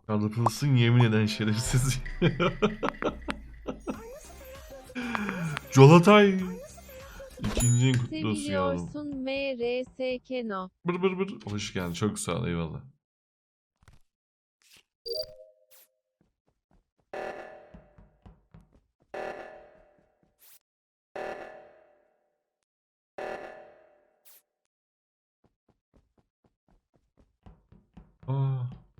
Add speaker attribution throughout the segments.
Speaker 1: Kalıpılsın yemin eden şerefsiz. Colatay. İkinci en kutlu olsun yavrum.
Speaker 2: Seviliyorsun MRSKNO.
Speaker 1: Bır bır bır. Hoş geldin. Çok sağ ol. Eyvallah. Aa.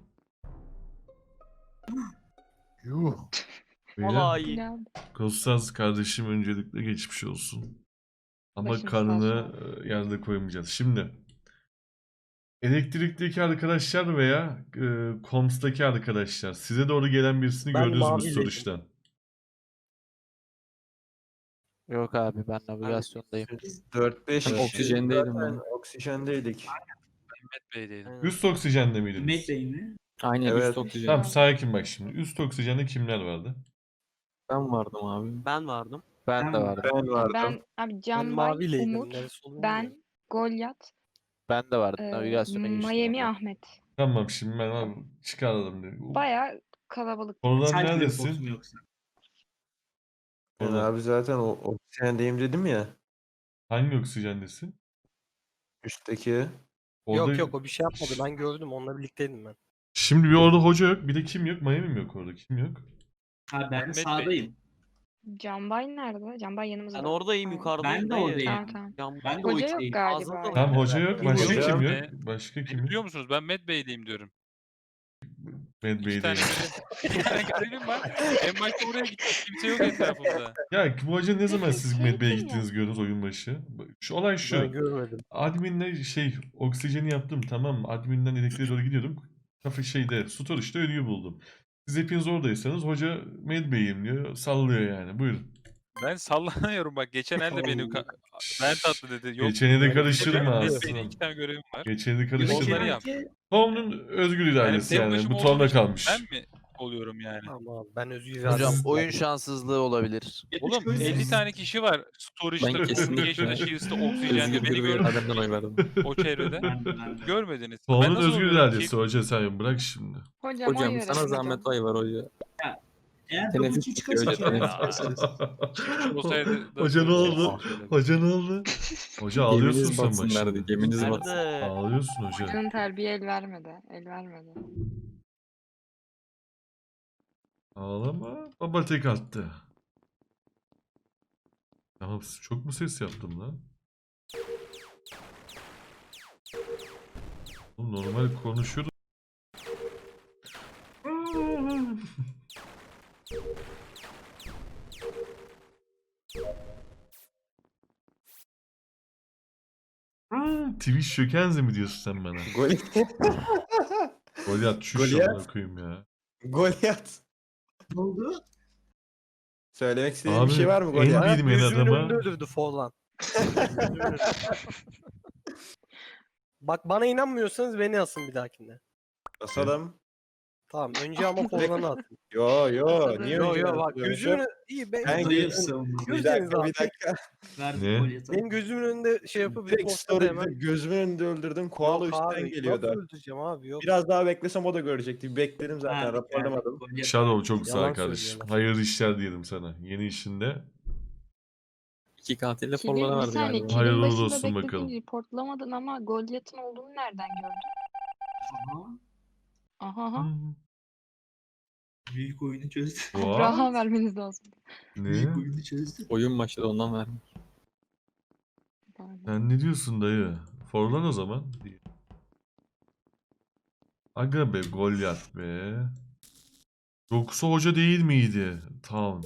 Speaker 3: Yuh.
Speaker 1: Beyler.
Speaker 4: iyi.
Speaker 1: Kostas kardeşim öncelikle geçmiş olsun. Ama
Speaker 5: Başım sağ
Speaker 1: karnını
Speaker 5: olsun.
Speaker 1: yerde koymayacağız. Şimdi elektrikteki arkadaşlar veya Koms'taki arkadaşlar size doğru gelen birisini
Speaker 4: Ben
Speaker 1: gördünüz mü
Speaker 4: maviledim.
Speaker 1: soruştan?
Speaker 6: Yok abi ben navigasyondayım.
Speaker 3: 4-5
Speaker 6: Ben oksijendeydim
Speaker 3: zaten
Speaker 6: ben.
Speaker 3: oksijendeydik.
Speaker 7: Mehmet Bey'deydim.
Speaker 1: Üst oksijende miydiniz?
Speaker 8: Mehmet Bey mi?
Speaker 6: Aynen
Speaker 3: Evet.
Speaker 6: üst oksijen.
Speaker 1: Tamam sakin bak şimdi. Üst oksijende kimler vardı?
Speaker 6: Ben vardım abi.
Speaker 4: Ben vardım.
Speaker 6: Ben de vardım.
Speaker 3: Ben vardım.
Speaker 5: Ben abi
Speaker 4: Ben
Speaker 5: Can Bay,
Speaker 4: mavileydim.
Speaker 5: Umut,
Speaker 4: Neresi olduğunu
Speaker 5: ben, Goliath,
Speaker 6: Ben de vardım. Navigasyona geçtim.
Speaker 5: Miami
Speaker 6: abi.
Speaker 5: Ahmet.
Speaker 1: Tamam şimdi ben abi çıkaralım.
Speaker 5: Baya kalabalık.
Speaker 1: Oradan
Speaker 8: Selfie box
Speaker 1: neredesin?
Speaker 8: mu yoksa?
Speaker 3: Ben
Speaker 1: Oradan.
Speaker 3: abi zaten oksijendeyim dedim ya.
Speaker 1: Hangi oksijendesin?
Speaker 3: Üstteki.
Speaker 1: Orada...
Speaker 4: Yok yok o bir şey yapmadı. Ben gördüm. Onunla birlikteydim ben.
Speaker 1: Şimdi bir orada hoca yok. Bir de kim yok? Miami mi yok orada? Kim yok?
Speaker 8: Ha ben
Speaker 7: Mehmet Bey.
Speaker 8: sağdayım.
Speaker 5: Can Bay nerede? Can Bay yanımızda.
Speaker 4: Ben oradayım
Speaker 5: Tamam.
Speaker 4: yukarıdayım.
Speaker 8: Ben de
Speaker 4: dayı.
Speaker 8: oradayım.
Speaker 5: Tamam tamam.
Speaker 4: Can-
Speaker 8: Ben de
Speaker 5: Hoca
Speaker 8: o
Speaker 5: yok
Speaker 8: içteyim.
Speaker 5: galiba.
Speaker 4: Ağzında da
Speaker 1: Tamam hoca yok. Başka
Speaker 3: Hocam.
Speaker 1: kim yok?
Speaker 7: Ne?
Speaker 1: Başka
Speaker 7: Beni
Speaker 1: kim yok?
Speaker 7: biliyor musunuz? Ben Med Bey'deyim diyorum.
Speaker 1: Med
Speaker 7: İki
Speaker 1: Bey'deyim.
Speaker 7: tane bir tane görevim var. En başta oraya gittim. Kimse yok etrafımda.
Speaker 1: Ya bu hoca ne zaman siz
Speaker 5: Şey
Speaker 1: Med Bey'e
Speaker 5: yapın ya.
Speaker 1: gittiniz gördünüz oyun başı? Şu olay
Speaker 4: Ben
Speaker 1: şu.
Speaker 4: görmedim.
Speaker 1: Adminle oksijeni yaptım tamam mı? Adminden elektriğe doğru gidiyordum. Kafe storage'da ölüyü buldum. Siz hepiniz oradaysanız hoca Med Bey'im diyor. Sallıyor yani. Buyurun.
Speaker 7: Ben sallanıyorum bak. Geçen elde benim ben tatlı dedi. Yok.
Speaker 1: Geçeni de
Speaker 7: böyle bir şey
Speaker 1: karıştırma
Speaker 7: yok. Med
Speaker 1: aslında.
Speaker 7: Bey'de 2 tane görevim var.
Speaker 1: Geçeni de
Speaker 7: Onları
Speaker 1: karıştırma.
Speaker 7: yap.
Speaker 1: Tom'un özgür iradesi
Speaker 7: Benim
Speaker 1: yani.
Speaker 7: başıma
Speaker 1: Bu
Speaker 7: olduğum
Speaker 1: Tom'da
Speaker 7: için
Speaker 1: kalmış.
Speaker 7: Ben mi oluyorum yani?
Speaker 4: Tamam abi ben özgür
Speaker 6: Hocam
Speaker 4: iradem.
Speaker 6: oyun şansızlığı olabilir.
Speaker 7: Oğlum 50 tane kişi var. Storage'da,
Speaker 6: Ben kesinlikle
Speaker 7: Communication'da, Shields'ta, Oxygen'de beni gördünüz
Speaker 6: irademden oy verdim.
Speaker 7: o çevrede.
Speaker 8: Ben de.
Speaker 7: Görmediniz. Ben
Speaker 1: Tom'un
Speaker 7: nasıl
Speaker 1: özgür
Speaker 7: oluyorum?
Speaker 1: iradesi hoca sen bırak şimdi.
Speaker 5: Hocam, oy
Speaker 6: Hocam
Speaker 5: verelim
Speaker 6: sana
Speaker 5: hocam.
Speaker 6: zahmet oy var hoca.
Speaker 8: Eğer
Speaker 6: Teneffüs
Speaker 8: double
Speaker 6: çıkıyor
Speaker 8: çıkarsa
Speaker 6: hocam.
Speaker 7: Ya.
Speaker 6: Teneffüs.
Speaker 7: Olsaydı da
Speaker 1: Hoca ne
Speaker 7: böyle
Speaker 1: oldu?
Speaker 7: söyledim.
Speaker 1: Hoca ne oldu? Hoca ağlıyorsun
Speaker 6: Geminiz
Speaker 1: sen
Speaker 6: batsın
Speaker 1: başında.
Speaker 6: nerede? Geminiz batsın.
Speaker 4: Nerede?
Speaker 1: Ağlıyorsun hoca.
Speaker 5: Hocanın terbiye el vermedi. El vermedi.
Speaker 1: Ağlama. Baba tek attı. Tamam çok mu ses yaptım lan? Oğlum normal konuşuyordum. Twitch şökenze mi diyorsun sen bana? Goliath şu
Speaker 3: Goliath.
Speaker 1: şamına koyayım ya.
Speaker 3: Goliath.
Speaker 8: Ne oldu?
Speaker 3: Söylemek istediğin
Speaker 1: Abi,
Speaker 3: bir şey var mı
Speaker 1: en
Speaker 3: Goliath?
Speaker 1: bir- bilmeyen
Speaker 4: Gözümün
Speaker 1: adama-
Speaker 4: önünde öldürdü Forlan. Bak bana inanmıyorsanız beni asın bir dahakinde.
Speaker 3: Basalım.
Speaker 4: Tamam önce ama Forlan'ı atın.
Speaker 3: Yo niye
Speaker 4: Yo
Speaker 3: öyle
Speaker 4: yo bak
Speaker 3: yapıyorsun?
Speaker 4: gözümün iyi ben
Speaker 3: Ben
Speaker 8: Dayı
Speaker 3: gözüm-
Speaker 8: savunma.
Speaker 3: Bir
Speaker 4: Gözleriniz
Speaker 3: dakika
Speaker 4: abi.
Speaker 3: bir dakika.
Speaker 8: Ver
Speaker 1: Ne?
Speaker 8: Goliath'a.
Speaker 4: Benim gözümün önünde şey yapıp
Speaker 3: Direkt
Speaker 4: reportladı
Speaker 3: story
Speaker 4: hemen.
Speaker 3: gözümün önünde öldürdüm. Koala
Speaker 4: Yok
Speaker 3: üstten
Speaker 4: abi,
Speaker 3: geliyordu.
Speaker 4: Nasıl öldüreceğim abi yok.
Speaker 3: Biraz daha beklesem o da görecekti. Bekledim zaten
Speaker 8: Verdik,
Speaker 3: raporlamadım.
Speaker 8: verdik. Goliath.
Speaker 1: Shadow çok sağ
Speaker 4: Yalan
Speaker 1: kardeşim.
Speaker 4: söylüyorlar.
Speaker 1: Hayırlı işler diyelim sana. Yeni işinde.
Speaker 6: İki katille
Speaker 5: Kilin,
Speaker 6: forlara
Speaker 5: bir
Speaker 6: verdi
Speaker 5: saniye,
Speaker 6: galiba.
Speaker 5: kilin
Speaker 1: Hayırlı
Speaker 5: başında
Speaker 1: olsun
Speaker 5: bekledin,
Speaker 1: bakalım.
Speaker 5: reportlamadın ama Goliath'ın olduğunu nereden gördün?
Speaker 8: Aha,
Speaker 5: Aha aha.
Speaker 8: büyük oyunu çözdü.
Speaker 5: Toprağa vermeniz lazım.
Speaker 8: Büyük
Speaker 1: Ne?
Speaker 8: oyunu çözdü.
Speaker 6: Oyun başladı ondan verdim.
Speaker 1: Sen ne diyorsun dayı? Forlan o zaman. Aga be Goliath be. Yoksa hoca değil miydi? Town.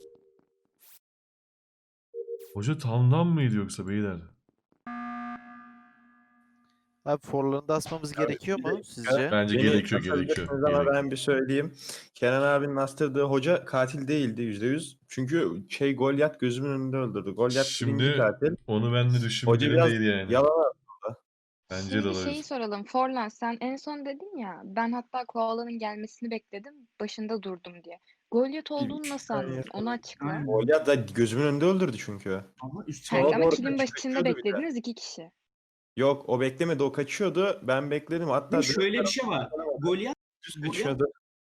Speaker 1: Hoca Town'dan mıydı yoksa beyler?
Speaker 9: Abi forlarını da asmamız gerekiyor mu sizce?
Speaker 1: Bence
Speaker 3: Beni
Speaker 1: gerekiyor.
Speaker 3: asabilirsiniz Ama ben bir söyleyeyim. Kenan abinin astırdığı hoca katil değildi %100. Çünkü Goliath gözümün önünde öldürdü. Goliath
Speaker 1: Şimdi
Speaker 3: birinci katil.
Speaker 1: onu ben de
Speaker 3: Hoca
Speaker 1: düşünmelerim
Speaker 3: biraz
Speaker 1: değil yani.
Speaker 3: yalan
Speaker 1: Bence de
Speaker 5: Şimdi
Speaker 1: olabilir.
Speaker 5: şeyi soralım. Forlan sen en son dedin ya ben hatta koalanın gelmesini bekledim. Başında durdum diye. Goliath olduğunu nasıl
Speaker 3: saniye
Speaker 5: anladın? Onu açıkla.
Speaker 8: Aynen.
Speaker 3: Goliath da gözümün önünde öldürdü çünkü.
Speaker 8: Ama üst
Speaker 5: Hayır, ama
Speaker 3: Doğru,
Speaker 5: kilin
Speaker 3: kaçıyor,
Speaker 5: başında
Speaker 3: kaçıyordu bir de.
Speaker 5: beklediniz 2 kişi.
Speaker 3: Yok o beklemedi o kaçıyordu. Ben bekledim. Hatta
Speaker 8: Şimdi şöyle bir şey var. Goliath
Speaker 3: düz kaçıyordu.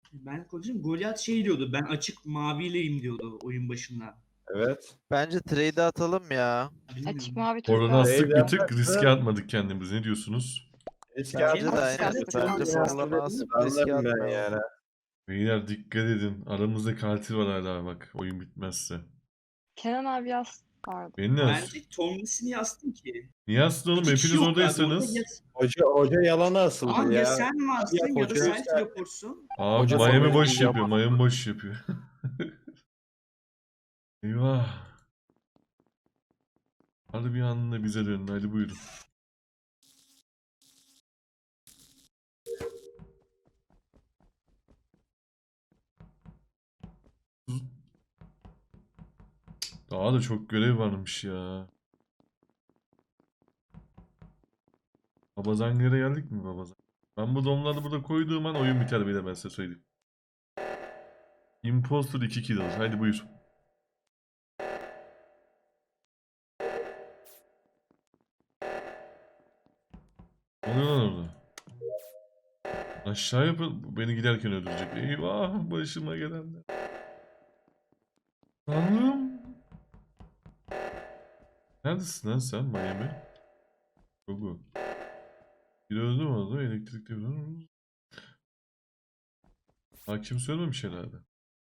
Speaker 8: Ben konuşayım. Goliath şey diyordu. Ben açık mavileyim diyordu oyun başında.
Speaker 3: Evet.
Speaker 9: Bence trade atalım ya.
Speaker 8: Bilmiyorum.
Speaker 5: Açık mavi
Speaker 1: Oradan
Speaker 5: turkuaz.
Speaker 1: astık bir
Speaker 3: Beyler,
Speaker 1: tık riske atmadık kendimizi. Ne diyorsunuz?
Speaker 3: Riske
Speaker 9: Bence de
Speaker 3: atmak
Speaker 9: aynen.
Speaker 3: istedim.
Speaker 9: Bence forlarını asıp riske
Speaker 3: Anlarım ben
Speaker 9: atmayalım.
Speaker 3: yani.
Speaker 1: Beyler dikkat edin. Aramızda katil var hala bak. Oyun bitmezse.
Speaker 5: Kenan abi yaz vardı.
Speaker 1: Beni ne
Speaker 8: Bence
Speaker 1: astın?
Speaker 8: Tomlin'sini yazdım ki.
Speaker 1: Niye astın oğlum?
Speaker 8: İki kişi
Speaker 1: Hepiniz
Speaker 8: yok abi. Orada
Speaker 1: oradaysanız.
Speaker 3: Hoca yalana asıldı
Speaker 8: Tamam ya
Speaker 3: ya.
Speaker 8: sen varsın ya da
Speaker 6: hoca-
Speaker 8: self teleportsun.
Speaker 1: Abi
Speaker 6: Hoca
Speaker 1: Miami
Speaker 6: formayı
Speaker 1: boş yapıyor.
Speaker 6: yapamadı.
Speaker 1: Miami boş yapıyor. Eyvah. Hadi bir anda bize döndü. Hadi buyurun. Daha da çok görev varmış ya. Babazangere geldik mi Babazan? Ben bu domları burada koyduğum an oyun biter bile ben size söyleyeyim. Imposter 2 kill alır. Haydi buyur. Ne oluyor lan orada? Aşağı yapın. Beni giderken öldürecek. Eyvah başıma gelenler. Tanrım. Neredesin lan sen Miami? Gogo. Biri öldü mü orada? Elektrikte bir hakim söylememiş herhalde.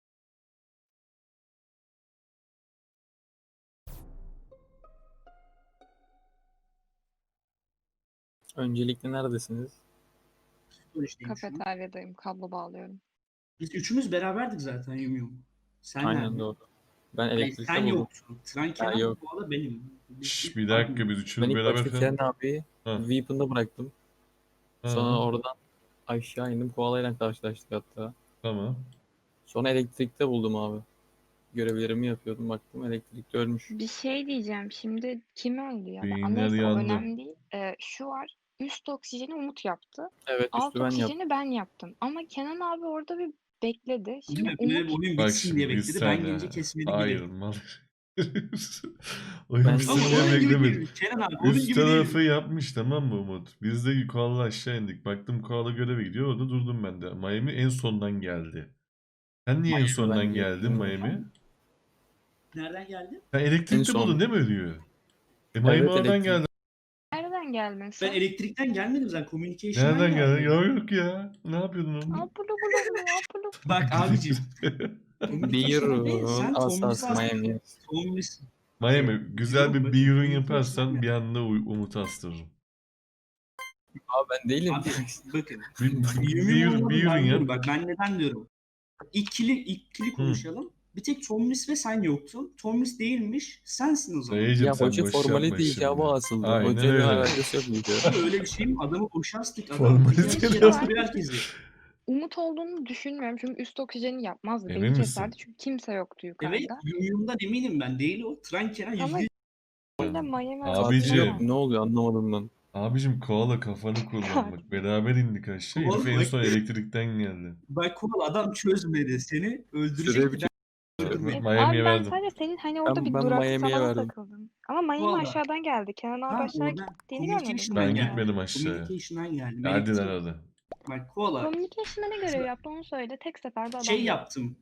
Speaker 6: Öncelikle neredesiniz?
Speaker 8: Sonuçtayım şu an.
Speaker 5: Kafeteryadayım. Kablo bağlıyorum.
Speaker 8: Biz üçümüz beraberdik zaten Yum. Sen
Speaker 6: Aynen
Speaker 8: nerede?
Speaker 6: doğru. Ben
Speaker 8: Hayır,
Speaker 6: elektrikte
Speaker 8: sen
Speaker 6: buldum.
Speaker 8: yoksun. Tren Kenan
Speaker 6: yok.
Speaker 8: bu arada benim.
Speaker 1: Şşş bir dakika biz
Speaker 6: Ben
Speaker 1: üçümüz
Speaker 6: ilk
Speaker 1: beraber
Speaker 6: başta
Speaker 1: falan.
Speaker 6: Kenan abi
Speaker 1: Ha.
Speaker 6: Weapon'da bıraktım.
Speaker 1: Ha,
Speaker 6: Sonra oradan aşağı indim. Koalayla karşılaştık hatta.
Speaker 1: tamam.
Speaker 6: Sonra elektrikte buldum abi. Görevlerimi yapıyordum. Baktım elektrikte ölmüş.
Speaker 5: Bir şey diyeceğim. Şimdi kim öldü ya da
Speaker 1: Beyinler
Speaker 5: neyse o
Speaker 1: yandı.
Speaker 5: önemli değil. Şu var. Üst oksijeni Umut yaptı.
Speaker 6: Evet
Speaker 5: Alt
Speaker 6: üstü ben yaptım.
Speaker 5: oksijeni ben yaptım. Ama Kenan abi orada bir bekledi.
Speaker 8: Değil
Speaker 5: Şimdi
Speaker 8: mi? Bir de
Speaker 5: Umut
Speaker 8: oyun
Speaker 1: Bak
Speaker 8: bitsin diye
Speaker 1: şimdi biz
Speaker 8: bekledi. Ben
Speaker 1: sen
Speaker 8: gelince kesmedi
Speaker 1: hayır
Speaker 8: gibi.
Speaker 1: mal. Oyun
Speaker 5: Ben-
Speaker 1: bitsin
Speaker 8: Ama
Speaker 1: diye
Speaker 8: onun gibi
Speaker 1: beklemedim.
Speaker 8: değil. Kenan abi onun
Speaker 1: Üst
Speaker 8: gibi
Speaker 1: tarafı
Speaker 8: değil.
Speaker 1: yapmış tamam mı Umut? Biz de koala aşağı indik. Baktım koala göreve gidiyor. Orada durdum ben de. Miami en sondan geldi. Sen niye en
Speaker 6: Miami
Speaker 1: sondan
Speaker 6: bence
Speaker 1: geldin
Speaker 6: yapıyor.
Speaker 1: Miami?
Speaker 8: Nereden geldi?
Speaker 1: Sen
Speaker 6: En
Speaker 1: elektrikte
Speaker 6: son.
Speaker 1: buldun değil mi ölüyor? Miami
Speaker 6: Evet,
Speaker 1: oradan
Speaker 6: elektrik.
Speaker 1: geldi.
Speaker 5: nereden geldin
Speaker 8: Ben
Speaker 5: sen?
Speaker 8: elektrikten gelmedim zaten. Communication'dan
Speaker 1: Nereden geldin?
Speaker 8: geldim.
Speaker 1: Ya yok ya. Ne yapıyordun oğlum?
Speaker 5: Apulu bulu apulu.
Speaker 8: Bak abicim.
Speaker 6: Bir
Speaker 8: Communication'dan değil. Sen
Speaker 6: asas
Speaker 8: Tomlin'i
Speaker 6: Miami.
Speaker 8: Tomlin'i.
Speaker 1: Miami güzel bir
Speaker 8: Yok,
Speaker 1: bir ürün
Speaker 8: bakın,
Speaker 1: yaparsan bir anda Umut'u astırırım.
Speaker 6: Abi ben değilim.
Speaker 8: Abi bakın.
Speaker 1: Bir ürün yap.
Speaker 8: Bak ben neden diyorum. İkili konuşalım. Bir tek Tomlis ve sen yoktun. Tomlis değilmiş. Sensin o zaman.
Speaker 1: Dayıcım
Speaker 6: Ya
Speaker 1: sen
Speaker 6: hoca
Speaker 1: boş
Speaker 6: formali
Speaker 1: yapma
Speaker 6: değil
Speaker 1: şimdi.
Speaker 6: ya asıldı.
Speaker 1: Aynen
Speaker 6: Hocayla
Speaker 1: öyle.
Speaker 6: alakası yok muydu?
Speaker 8: Öyle bir şey mi? Adamı boşa astık. Adam
Speaker 1: Formalite
Speaker 8: bir kere
Speaker 1: yok.
Speaker 8: astırıyor herkesi.
Speaker 5: Umut olduğunu düşünmüyorum. Çünkü üst oksijeni yapmazdı.
Speaker 1: Emin
Speaker 5: Beni
Speaker 1: misin?
Speaker 5: keserdi. Çünkü kimse yoktu yukarıda.
Speaker 8: Evet. Yumyum'dan eminim ben. Değil o. Tren Kenan
Speaker 5: Ama
Speaker 8: %100.
Speaker 5: öyle Miami
Speaker 1: Abicim.
Speaker 6: Yok, ne oluyor anlamadım ben.
Speaker 1: Abicim koala kafanı kullan bak. Beraber indik aşağı. Herif en
Speaker 8: Koala-
Speaker 1: son elektrikten geldi.
Speaker 8: Bak Kural adam çözmedi. Seni öldürecek
Speaker 6: Süre
Speaker 8: bir öldürmedi.
Speaker 1: Miami'ye
Speaker 5: abi ben
Speaker 1: verdim.
Speaker 5: sadece senin hani orada bir
Speaker 6: ben
Speaker 5: durakta
Speaker 6: Miami'ye
Speaker 5: falan
Speaker 6: verdim.
Speaker 5: takıldım. Ama Miami
Speaker 8: Vallahi.
Speaker 5: aşağıdan geldi. Kenan abi
Speaker 8: Ha,
Speaker 5: aşağı
Speaker 8: oradan
Speaker 5: gittiğini görmedim.
Speaker 8: Communication'dan
Speaker 1: Ben
Speaker 8: geldi.
Speaker 1: gitmedim aşağıya.
Speaker 8: Communication'dan geldi.
Speaker 1: Hadi lan
Speaker 8: Elektrik-
Speaker 1: hadi.
Speaker 8: Bak Koala.
Speaker 5: Communication'da ne görev yaptı onu söyle. Tek seferde adam.
Speaker 8: Şey
Speaker 5: yok.
Speaker 8: yaptım.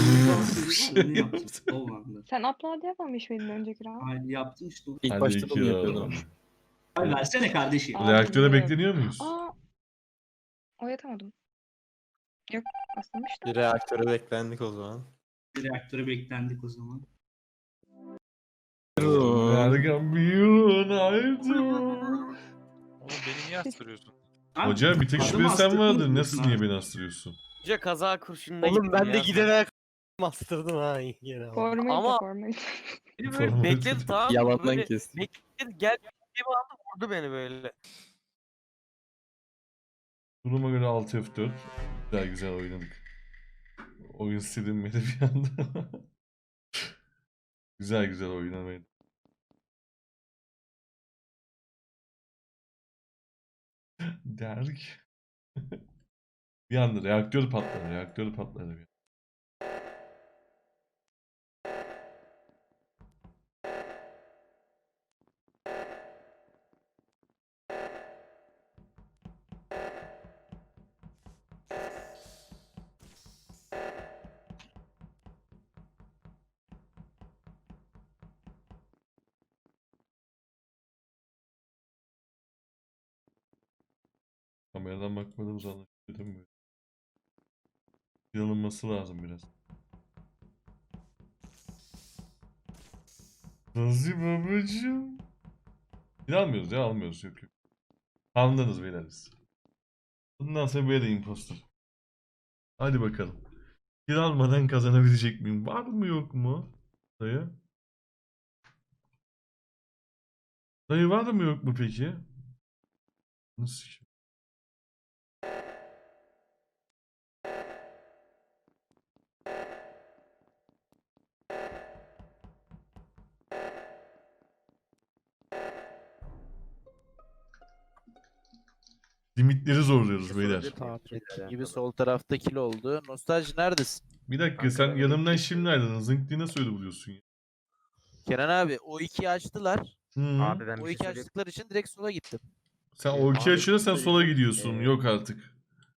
Speaker 8: Onu yaptım. O anda.
Speaker 5: Sen upload yapmamış mıydın önceki round?
Speaker 8: Hayır yaptım işte.
Speaker 6: İlk
Speaker 1: Hadi
Speaker 6: başta da
Speaker 1: iki
Speaker 6: onu
Speaker 1: round.
Speaker 6: yapıyordum.
Speaker 8: Ay versene kardeşim.
Speaker 5: Aa,
Speaker 1: Reaktöre
Speaker 5: bilmiyorum.
Speaker 1: bekleniyor muyuz?
Speaker 5: Aa, oyatamadım. Yok, asılmıştı.
Speaker 3: Bir reaktöre beklendik o zaman.
Speaker 8: Reaktöre beklendik o zaman.
Speaker 1: Ergen bir haydi.
Speaker 7: Oğlum beni niye astırıyorsun?
Speaker 8: Abi,
Speaker 1: Hoca bir tek
Speaker 8: adamı
Speaker 1: şüpheli sen
Speaker 8: astırdınız
Speaker 1: vardır.
Speaker 8: mı
Speaker 1: Nasıl
Speaker 8: abi?
Speaker 1: niye beni astırıyorsun?
Speaker 4: Hoca kaza kurşununa
Speaker 9: Oğlum
Speaker 4: gittim
Speaker 9: ben de
Speaker 4: ya.
Speaker 9: giderek bastırdım ha yine.
Speaker 5: Formayı
Speaker 4: Ama-
Speaker 5: da formayı.
Speaker 4: Beni böyle
Speaker 1: Formalite.
Speaker 4: bekledi tamam mı?
Speaker 6: Yalandan
Speaker 4: Böyle
Speaker 6: kestim.
Speaker 4: bekledi gel bir anda vurdu beni böyle.
Speaker 1: Duruma göre 6 F4. Güzel güzel oynadık. Oyun silinmedi bir anda. Güzel güzel oynamaydı. Derk. Bir anda reaktör patladı. Reaktör patladı bir. Kameradan bakmadığımız anlaşılıyor değil mi? Yanılması lazım biraz. Nazi babacığım. Bir almıyoruz ya, almıyoruz, yok yok. Anladınız beyler biz. Bundan sonra böyle impostor. Hadi bakalım. Bir almadan kazanabilecek miyim? Var mı yok mu? Dayı. Dayı var mı yok mu peki? Nasıl? Limitleri zorluyoruz beyler.
Speaker 9: Tahmin gibi sol tarafta kill oldu. Nostalji neredesin?
Speaker 1: Bir dakika, sen yanımdan şimdi ayrıldın. Zınk diye nasıl öyle buluyorsun ya?
Speaker 9: Kenan abi o ikiyi açtılar.
Speaker 1: Hı.
Speaker 10: Abi ben
Speaker 9: O
Speaker 10: bir şey
Speaker 9: iki
Speaker 10: söyleyeyim.
Speaker 9: açtıkları için direkt sola gittim.
Speaker 1: Sen o iki
Speaker 10: Abi,
Speaker 1: açıda sen sola
Speaker 10: söyleyeceğim.
Speaker 1: gidiyorsun. Yok artık.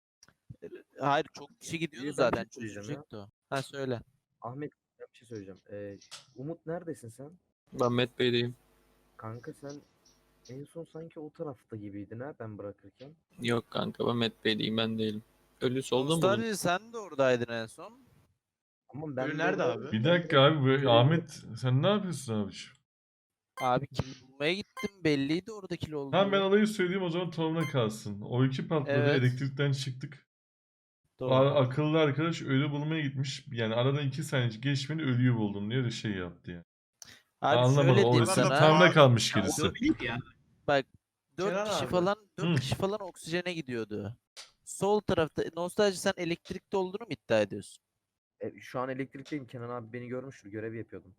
Speaker 9: Hayır çok kişi gidiyordu
Speaker 10: Ben bir
Speaker 9: zaten.
Speaker 10: şey söyleyeceğim ya.
Speaker 9: Çözecekti o. Ha söyle.
Speaker 10: Ahmet ben bir şey söyleyeceğim. Umut neredesin sen?
Speaker 6: Ben Met Bey'deyim.
Speaker 10: Kanka sen en son sanki o tarafta gibiydin ha ben bırakırken.
Speaker 6: Yok kanka ben Met Bey'deyim, ben değilim. Ölü solda mı buldun?
Speaker 9: Nostalji sen de oradaydın en son.
Speaker 10: Ama ben
Speaker 11: nerede
Speaker 10: orada-
Speaker 11: abi?
Speaker 1: Bir dakika abi, böyle Ahmet sen ne yapıyorsun abiciğim?
Speaker 9: Abi kill bulmaya gittim. Belliydi orada kill olduğu.
Speaker 1: Tamam, ben olayı söyleyeyim o zaman, Tom'la kalsın. O iki patladı,
Speaker 9: Evet.
Speaker 1: elektrikten çıktık.
Speaker 9: Doğru.
Speaker 1: Akıllı arkadaş ölü bulmaya gitmiş. Yani aradan 2 saniye geçmeni ölüyü buldum diye de şey yaptı yani.
Speaker 9: Abi
Speaker 1: Anlamadım.
Speaker 9: şöyle diyeyim
Speaker 1: Orası
Speaker 9: sana.
Speaker 1: Tom'la kalmış gerisi.
Speaker 8: Olabilir ya.
Speaker 9: Bak 4
Speaker 11: Kenan
Speaker 9: kişi
Speaker 11: abi.
Speaker 9: falan
Speaker 1: Hı.
Speaker 9: 4 kişi falan oksijene gidiyordu. Sol tarafta Nostalji sen elektrikte olduğunu mu iddia ediyorsun?
Speaker 10: Şu an elektrikteyim. Kenan abi beni görmüştür. Görev yapıyordum.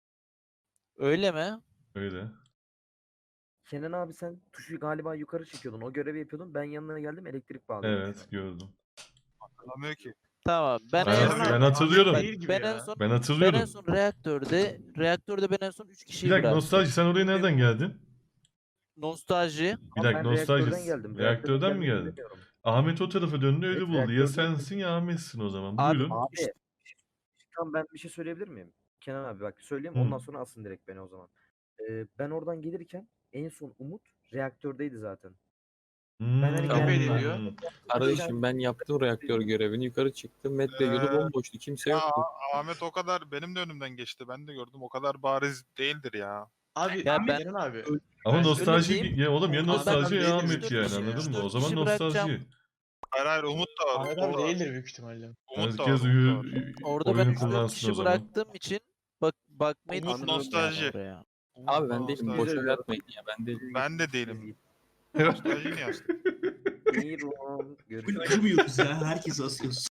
Speaker 9: Öyle mi?
Speaker 1: Öyle.
Speaker 10: Kenan abi sen tuşu galiba yukarı çekiyordun. O görevi yapıyordun. Ben yanına geldim elektrik bağlıyordum.
Speaker 1: Evet, gördüm.
Speaker 11: Hatırlamıyor ki.
Speaker 9: Tamam. Ben
Speaker 1: Ben-
Speaker 9: en
Speaker 11: Kenan
Speaker 9: son
Speaker 1: ben
Speaker 11: abi,
Speaker 1: hatırlıyorum.
Speaker 11: Ahmet değil gibi
Speaker 9: ben
Speaker 11: ya.
Speaker 9: en son
Speaker 1: Ben
Speaker 9: ben
Speaker 1: hatırlıyorum.
Speaker 9: en son reaktörde ben en son 3
Speaker 1: Bir
Speaker 9: kişiyi
Speaker 1: dakika,
Speaker 9: bıraktım.
Speaker 1: nostalji, sen oraya nereden geldin?
Speaker 9: Nostalji.
Speaker 1: Bir
Speaker 10: Ama
Speaker 1: dakika,
Speaker 10: ben
Speaker 1: nostalji.
Speaker 10: reaktörden geldim.
Speaker 1: Reaktörden mi
Speaker 10: gelmeyi
Speaker 1: geldin?
Speaker 10: bilmiyorum.
Speaker 1: Ahmet o tarafa döndü, öyle
Speaker 10: Evet,
Speaker 1: buldu. Ya
Speaker 10: reaktörden
Speaker 1: sensin ya Ahmet'sin o zaman.
Speaker 9: Abi,
Speaker 1: Buyurun.
Speaker 10: Abi tamam ben bir şey söyleyebilir miyim? Kenan abi bak söyleyeyim
Speaker 1: Hı.
Speaker 10: ondan sonra asın direkt beni o zaman. Ben oradan gelirken en son Umut reaktördeydi zaten.
Speaker 1: Hmm.
Speaker 10: hani
Speaker 11: Tabii
Speaker 10: geldim.
Speaker 11: diyor.
Speaker 6: Kardeşim ben yaptım reaktör görevini, yukarı çıktım. Met Bey yolu bomboştu, kimse
Speaker 12: Ya
Speaker 6: yoktu.
Speaker 12: Ahmet o kadar benim de önümden geçti. Ben de gördüm. O kadar bariz değildir ya.
Speaker 11: Abi
Speaker 9: Ya ben-
Speaker 11: Kenan abi.
Speaker 1: Ama
Speaker 11: Ben
Speaker 1: nostalji
Speaker 9: söyleyeyim.
Speaker 1: ya oğlum, ya
Speaker 9: Ahmet
Speaker 1: nostalji
Speaker 11: abi
Speaker 1: ya
Speaker 11: değildir,
Speaker 1: Ahmet
Speaker 9: üç
Speaker 1: yani,
Speaker 9: dört kişi-
Speaker 1: anladın
Speaker 9: üç
Speaker 1: mı?
Speaker 9: dört
Speaker 1: O zaman
Speaker 9: kişi bırakacağım.
Speaker 1: nostalji.
Speaker 12: Hayır Umut da var.
Speaker 11: Ahmet
Speaker 12: Umut
Speaker 11: abi
Speaker 12: da var.
Speaker 11: değildir büyük ihtimalle.
Speaker 12: Umut da var.
Speaker 1: Herkes
Speaker 12: Umut da var.
Speaker 9: Orada ben
Speaker 1: oyunu
Speaker 9: 3-4
Speaker 1: kullansın
Speaker 9: kişi
Speaker 1: o zaman.
Speaker 9: bıraktığım için bakmayı
Speaker 12: Umut
Speaker 9: düşünüyorum
Speaker 12: nostalji.
Speaker 9: yani oraya.
Speaker 12: Umut
Speaker 6: Abi
Speaker 12: da
Speaker 6: ben değilim,
Speaker 12: nostalji.
Speaker 6: boşuna yapmayın ya, ben değilim.
Speaker 12: Ben de değilim. Nostalji niye astın?
Speaker 10: Buyurun.
Speaker 8: Full
Speaker 10: Görüşürüz.
Speaker 8: acımıyoruz ya. Herkesi asıyoruz.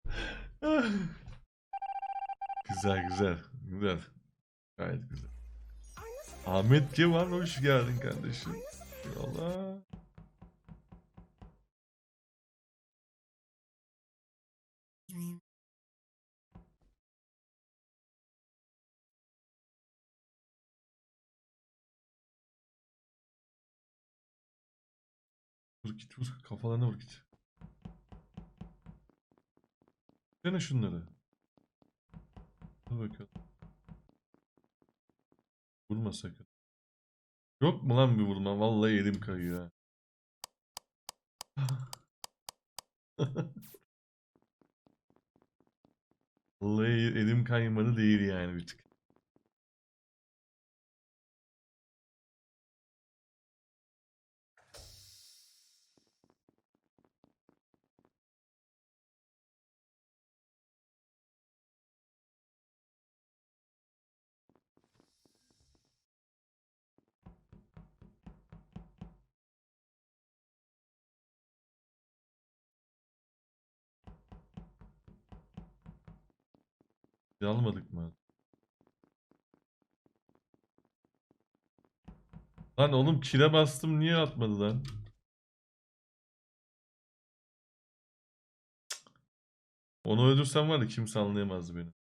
Speaker 1: Güzel güzel. Güzel. Gayet güzel. Ahmet kim var? Hoş geldin kardeşim. Allah. Vur git, vur. Kafalarına vur git. Dene şunları. Dur bakalım. Vurma sakın. Yok mu lan bir vurma? Vallahi elim kayıyor ha. Vallahi elim kaymadı değil yani bir tık. Almadık mı? Lan oğlum kile bastım, niye atmadı lan? Onu öldürsem var ya kimse anlayamazdı beni.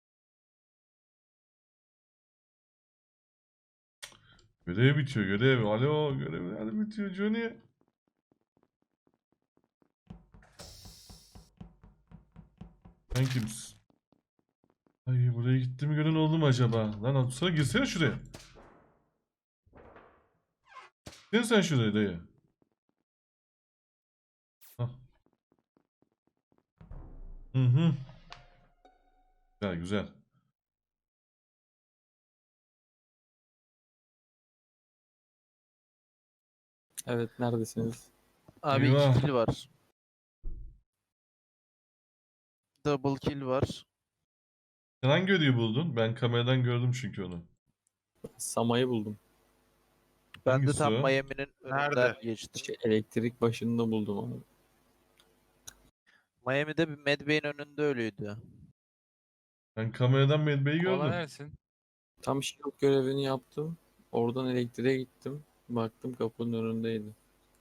Speaker 1: Görev bitiyor, görev. Alo, görev nerede bitiyor Johnny? Sen kimsin? Ay, buraya gittiğimi gören oldu mu acaba? Lan atsana, girsene şuraya. Gel sen şuraya dayı. Hah. Hı hı. Güzel güzel.
Speaker 6: Evet, neredesiniz?
Speaker 9: Abi
Speaker 1: Eyvah.
Speaker 9: 2 kill var. Double kill var.
Speaker 1: Sen hangi ödüğü buldun? Ben kameradan gördüm çünkü onu.
Speaker 6: Samayı buldum.
Speaker 9: Ben de
Speaker 1: Hangisi
Speaker 9: tam
Speaker 1: o?
Speaker 9: Miami'nin önünden
Speaker 12: Nerede?
Speaker 9: geçtim.
Speaker 6: Elektrik başında buldum abi.
Speaker 9: Miami'de bir Medbay'in önünde ölüydü.
Speaker 1: Ben kameradan Medbay'i
Speaker 7: Koala
Speaker 1: gördüm.
Speaker 7: neresin?
Speaker 6: Tam shield görevini yaptım. Oradan elektriğe gittim. Baktım kapının önündeydi.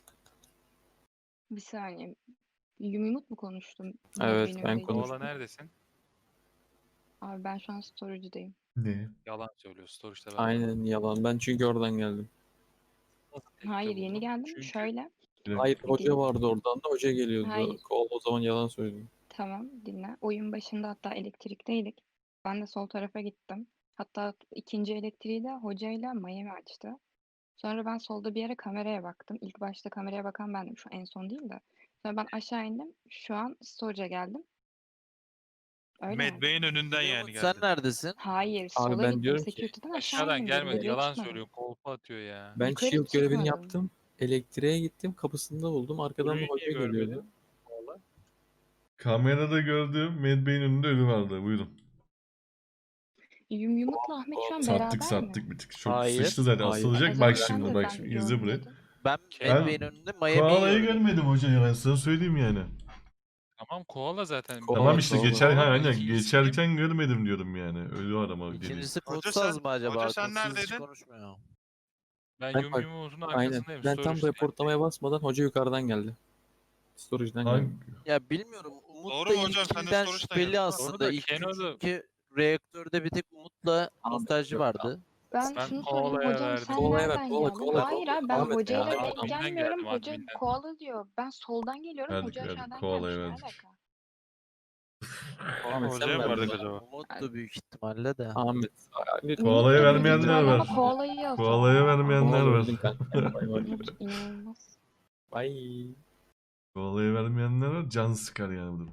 Speaker 5: Bir saniye. Yumruk mu konuştum?
Speaker 6: Evet,
Speaker 5: Benim
Speaker 6: ben
Speaker 5: değil.
Speaker 6: konuştum.
Speaker 7: Koala neredesin?
Speaker 5: Abi ben şu an storage'dayım.
Speaker 1: Ne?
Speaker 7: Yalan söylüyor. Storage'da ben
Speaker 6: Aynen yalan. Ben çünkü oradan geldim.
Speaker 7: Nasıl tekte
Speaker 5: Hayır yeni
Speaker 7: buldun?
Speaker 5: geldim.
Speaker 7: Çünkü
Speaker 5: Şöyle.
Speaker 1: Bir dakika.
Speaker 6: Hayır,
Speaker 5: Bir
Speaker 6: hoca
Speaker 5: dinle.
Speaker 6: vardı oradan da hoca geliyordu.
Speaker 5: Hayır.
Speaker 6: O zaman yalan söylüyor.
Speaker 5: Tamam dinle. Oyun başında hatta elektrikteydik. Ben de sol tarafa gittim. Hatta ikinci elektriği de hocayla Miami açtı. Sonra ben solda bir yere kameraya baktım. İlk başta kameraya bakan bendim. Şu en son değil de. Sonra ben aşağı indim. Şu an storage'a geldim. Öyle mi?
Speaker 12: Medbay'in önünden yani
Speaker 9: Umut sen
Speaker 12: geldi.
Speaker 9: neredesin?
Speaker 5: Hayır,
Speaker 6: Abi
Speaker 5: sola
Speaker 6: ben
Speaker 5: gittim.
Speaker 6: diyorum ki
Speaker 5: Security'den aşağı
Speaker 7: aşağıdan
Speaker 5: indim.
Speaker 7: gelmedi.
Speaker 5: Yukarıya
Speaker 7: Yalan
Speaker 5: çıkmadım.
Speaker 7: söylüyor. Kolpa atıyor ya.
Speaker 6: ben
Speaker 5: Yukarı
Speaker 6: shield görevini
Speaker 5: çıkmadım.
Speaker 6: yaptım. Elektriğe gittim. Kapısında buldum. Arkadan da
Speaker 7: Blue
Speaker 6: hoca
Speaker 7: niye görmedin?
Speaker 6: geliyordu.
Speaker 7: Koala.
Speaker 1: Kamerada gördüğüm Medbay'in önünde ölü vardı. Buyurun.
Speaker 5: Yumruk'la Ahmet şu an
Speaker 1: Sattık
Speaker 5: beraber mi?
Speaker 1: sattık bir tık. Çok
Speaker 9: Hayır.
Speaker 1: sıçtı zaten.
Speaker 6: Hayır.
Speaker 5: O
Speaker 1: Asılacak.
Speaker 5: zaman
Speaker 1: Bak
Speaker 5: sen
Speaker 1: şimdi
Speaker 5: de
Speaker 1: bak
Speaker 5: sen
Speaker 1: şimdi. İzle burayı.
Speaker 5: görmedin.
Speaker 9: Ben
Speaker 1: Ben
Speaker 9: Medbay'in önünde Miami'yi
Speaker 1: Koala'yı
Speaker 9: gördüm.
Speaker 1: görmedim hocam. Ben sana söyleyeyim yani.
Speaker 7: Tamam koala zaten.
Speaker 6: Koala,
Speaker 1: Tamam işte
Speaker 6: koala.
Speaker 1: geçer, ha,
Speaker 7: Koala,
Speaker 1: aynen
Speaker 7: ikincisi
Speaker 1: geçerken görmedim diyorum yani. Ölü arama deli.
Speaker 9: İkincisi
Speaker 12: Hoca
Speaker 9: kodsaz
Speaker 12: sen-
Speaker 9: mı acaba?
Speaker 12: hoca sen
Speaker 9: Kodsuz hiç
Speaker 12: neredeydin?
Speaker 9: konuşmuyor.
Speaker 7: Ben
Speaker 6: Ben
Speaker 7: Yum
Speaker 6: bak-
Speaker 7: Yum'un
Speaker 6: Aynen.
Speaker 7: arkasındayım.
Speaker 6: Ben tam
Speaker 7: Storage'dayım.
Speaker 6: reportlamaya basmadan hoca yukarıdan geldi. Storage'den geldi.
Speaker 1: Hangi?
Speaker 9: Ya bilmiyorum. Umut
Speaker 12: Doğru
Speaker 9: da
Speaker 12: mu
Speaker 9: ilk
Speaker 12: hocam? Sen de
Speaker 9: kilden
Speaker 12: storage'dan
Speaker 9: şüpheli
Speaker 12: geldin.
Speaker 9: aslında.
Speaker 7: Doğru da
Speaker 9: İlk
Speaker 7: Keno'da-
Speaker 9: çünkü reaktörde bir tek Umut'la nostalji vardı.
Speaker 5: Ben
Speaker 7: Ben
Speaker 5: şunu sorayım.
Speaker 7: koalaya
Speaker 5: Hocam
Speaker 7: verdim.
Speaker 5: sen
Speaker 6: Koalaya ver,
Speaker 5: nereden
Speaker 6: koala,
Speaker 5: geldin?
Speaker 6: koala,
Speaker 5: Hayır
Speaker 6: koala.
Speaker 5: abi ben
Speaker 6: Ahmet
Speaker 5: hocayla
Speaker 7: ya.
Speaker 5: denk
Speaker 7: Adminden
Speaker 5: gelmiyorum.
Speaker 7: geldim,
Speaker 5: Hoca
Speaker 7: adminden.
Speaker 5: koala diyor. Ben soldan geliyorum.
Speaker 1: Verdik,
Speaker 5: Hoca
Speaker 1: verdik.
Speaker 5: aşağıdan
Speaker 1: Koalaya
Speaker 5: gelmiş. Ne
Speaker 1: verdik.
Speaker 5: alaka?
Speaker 6: Ahmet sen
Speaker 12: Hocaya mı
Speaker 6: verdin
Speaker 12: verdik
Speaker 6: bana.
Speaker 12: acaba?
Speaker 9: Umut'tu büyük ihtimalle de.
Speaker 6: Ahmet. Lütfen.
Speaker 1: Koalaya
Speaker 5: Umut da büyük
Speaker 1: vermeyenler
Speaker 5: ihtimalle
Speaker 1: var.
Speaker 5: ama koalayı asıl.
Speaker 1: Koalaya vermeyenler
Speaker 6: Koala
Speaker 1: var.
Speaker 6: öldün kanka. Bay bay.
Speaker 5: Umut inanılmaz.
Speaker 6: Bye.
Speaker 1: Koalaya vermeyenler var. Can sıkar yani bu durum.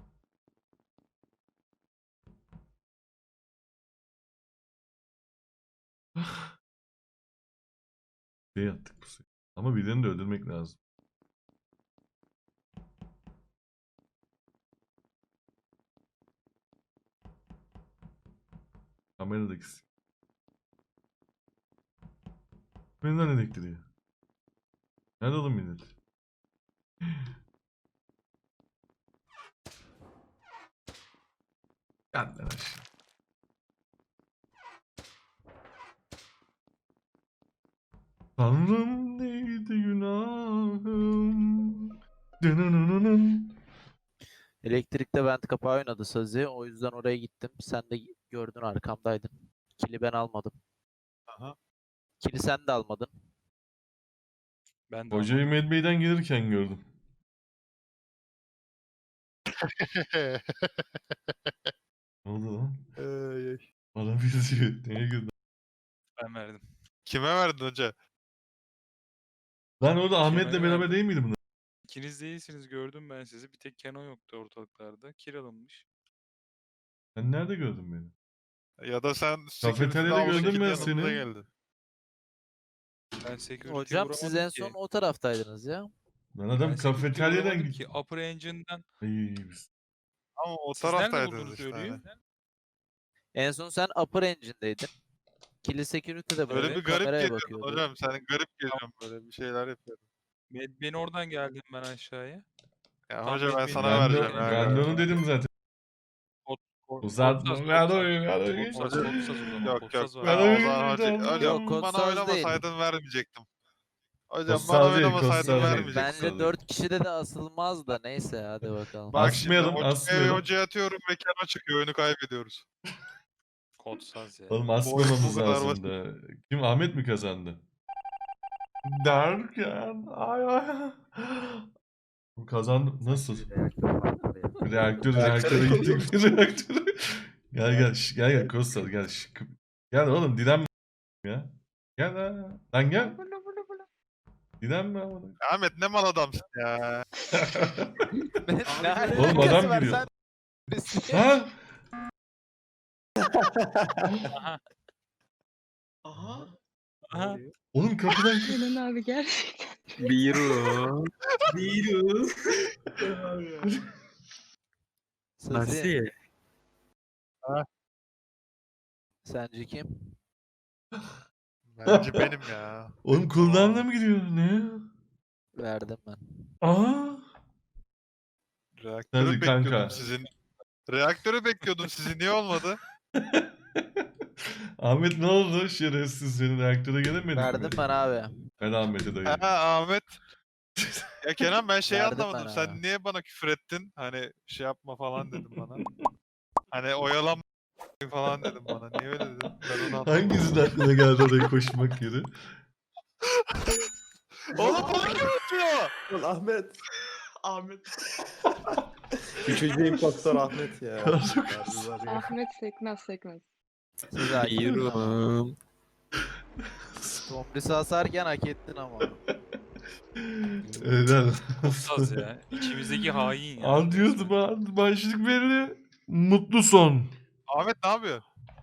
Speaker 1: Şey yaptık bu sefer. Ama birini de öldürmek lazım. Kameradaki. Benden elektriği. Nerede oğlum millet? Yandan aşağı. Tanrım neydi günahım? Dınınınının.
Speaker 9: Elektrikte vent kapağı oynadı Sazi. O yüzden oraya gittim. Sen de gördün arkamdaydın. Kili ben almadım.
Speaker 12: Aha.
Speaker 9: Kili sen de almadın.
Speaker 7: Ben de
Speaker 1: Hocayı
Speaker 7: almadım.
Speaker 1: Medbay'den gelirken gördüm. Ne oldu lan? Bana bir diyor. Neye güldün?
Speaker 7: Ben verdim.
Speaker 12: Kime verdin hoca?
Speaker 1: Lan orada Ahmet'le
Speaker 7: Kemal'e
Speaker 1: beraber
Speaker 7: verdim.
Speaker 1: değil miydi bunlar?
Speaker 7: İkiniz değilsiniz. Gördüm ben sizi. Bir tek Keno yoktu ortalıklarda. Kill alınmış.
Speaker 1: Sen nerede gördün beni?
Speaker 12: Ya da sen
Speaker 1: Kafeteryada
Speaker 12: almış
Speaker 1: gördüm
Speaker 12: ikili
Speaker 1: ben
Speaker 12: yanımıza
Speaker 1: seni.
Speaker 12: geldin.
Speaker 7: Ben security'ye
Speaker 9: Hocam siz en
Speaker 7: vuramadım
Speaker 9: son
Speaker 7: ki.
Speaker 9: o taraftaydınız ya.
Speaker 1: Lan
Speaker 7: Ben
Speaker 1: adam
Speaker 7: security'ye
Speaker 1: kafeteryadan
Speaker 7: vuramadım
Speaker 1: gitti.
Speaker 7: ki. Upper Engine'den.
Speaker 1: Ay biz.
Speaker 12: Ama o
Speaker 7: Siz nerede
Speaker 12: taraftaydınız
Speaker 7: buldunuz
Speaker 12: işte.
Speaker 7: ölüyü?
Speaker 12: Hani.
Speaker 9: En son sen Upper Engine'deydin. Kili Security'de
Speaker 12: Böyle
Speaker 9: böyle
Speaker 12: bir garip
Speaker 9: kameraya
Speaker 12: geliyorsun
Speaker 9: bakıyordu.
Speaker 12: hocam. Sen garip geliyorsun böyle bir şeyler yapıyorsun.
Speaker 7: Ben oradan geldim ben aşağıya.
Speaker 12: Ya
Speaker 7: Tam
Speaker 12: hoca ben
Speaker 7: Medbay'in
Speaker 12: sana
Speaker 1: Ben de,
Speaker 12: vereceğim ya.
Speaker 1: ben de onu dedim zaten. Uzatma. Ver oyun, ver oyun.
Speaker 7: Kodsaz o zaman.
Speaker 12: Yok
Speaker 7: Kodsaz
Speaker 12: yok.
Speaker 7: var.
Speaker 12: Ben
Speaker 1: Ver
Speaker 12: o zaman
Speaker 1: oyun,
Speaker 12: hoca,
Speaker 1: tamam.
Speaker 12: hocam
Speaker 9: Yok, kod
Speaker 12: bana
Speaker 9: saz
Speaker 12: oynamasaydın vermeyecektim. Hocam
Speaker 1: Kod
Speaker 12: bana
Speaker 1: saz değil, kod
Speaker 12: oynamasaydın
Speaker 1: saz değil.
Speaker 12: vermeyecektim.
Speaker 1: Bence
Speaker 9: Bence 4 kişide de asılmaz da neyse hadi bakalım.
Speaker 12: Bak şimdi
Speaker 1: Asmayalım, asmayalım.
Speaker 12: hocaya atıyorum ve Keno çıkıyor. Oyunu kaybediyoruz.
Speaker 7: Kodsaz ya.
Speaker 1: Oğlum
Speaker 12: Bu
Speaker 1: asmamamız
Speaker 12: kadar basit.
Speaker 1: lazımdı. Kim? Ahmet mi kazandı? Derken ay ay. Bu kazandı. Nasıl? Reaktöre gittik. Reaktöre. Gel gel Kostas gel. Gel oğlum direnme ya. Gel lan gel. Direnme ama.
Speaker 12: Ahmet ne mal adamsın ya.
Speaker 1: Oğlum adam giriyor.
Speaker 9: Tomris'i.
Speaker 1: Ha?
Speaker 7: Aha.
Speaker 1: Oğlum kapıdan
Speaker 5: Kenan abi gerçekten.
Speaker 6: Biru.
Speaker 8: Biru.
Speaker 9: Sazi. Sence kim?
Speaker 12: Bence benim ya.
Speaker 1: Oğlum cooldown'la mı gidiyor? Ne?
Speaker 9: Verdim ben.
Speaker 1: Aa.
Speaker 12: Reaktörü
Speaker 1: Hadi
Speaker 12: bekliyordum
Speaker 1: kanka.
Speaker 12: sizin. Reaktörü bekliyordum sizin. Niye olmadı?
Speaker 1: Ahmet ne oldu? Şerefsiz senin reaktöre gelemedin mi?
Speaker 9: Verdim ben abi.
Speaker 1: Ben Ahmet'e dayı.
Speaker 12: Ha Ahmet. Ya Kenan ben şeyi
Speaker 9: Verdim
Speaker 12: anlamadım.
Speaker 9: ben
Speaker 12: Sen
Speaker 9: abi.
Speaker 12: niye bana küfür ettin? Hani şey yapma falan dedim bana. Hani oyalanma falan dedim bana. Niye öyle dedin? Ben onu anlamadım.
Speaker 1: Hangisinin aklına geldi oraya koşmak yeri?
Speaker 12: Oğlum bana kim atıyor?
Speaker 3: Lan Ahmet. Üçüncü impostor Ahmet ya.
Speaker 5: Ahmet sekmez.
Speaker 9: Sazi.
Speaker 6: Biru.
Speaker 9: Tomris'i asarken hak ettin ama.
Speaker 1: Helal.
Speaker 7: Aptaz ya. İçimizdeki hain ya.
Speaker 1: An diyordum an. Başlık belli. Mutlu son.
Speaker 12: Ahmet ne yapıyor?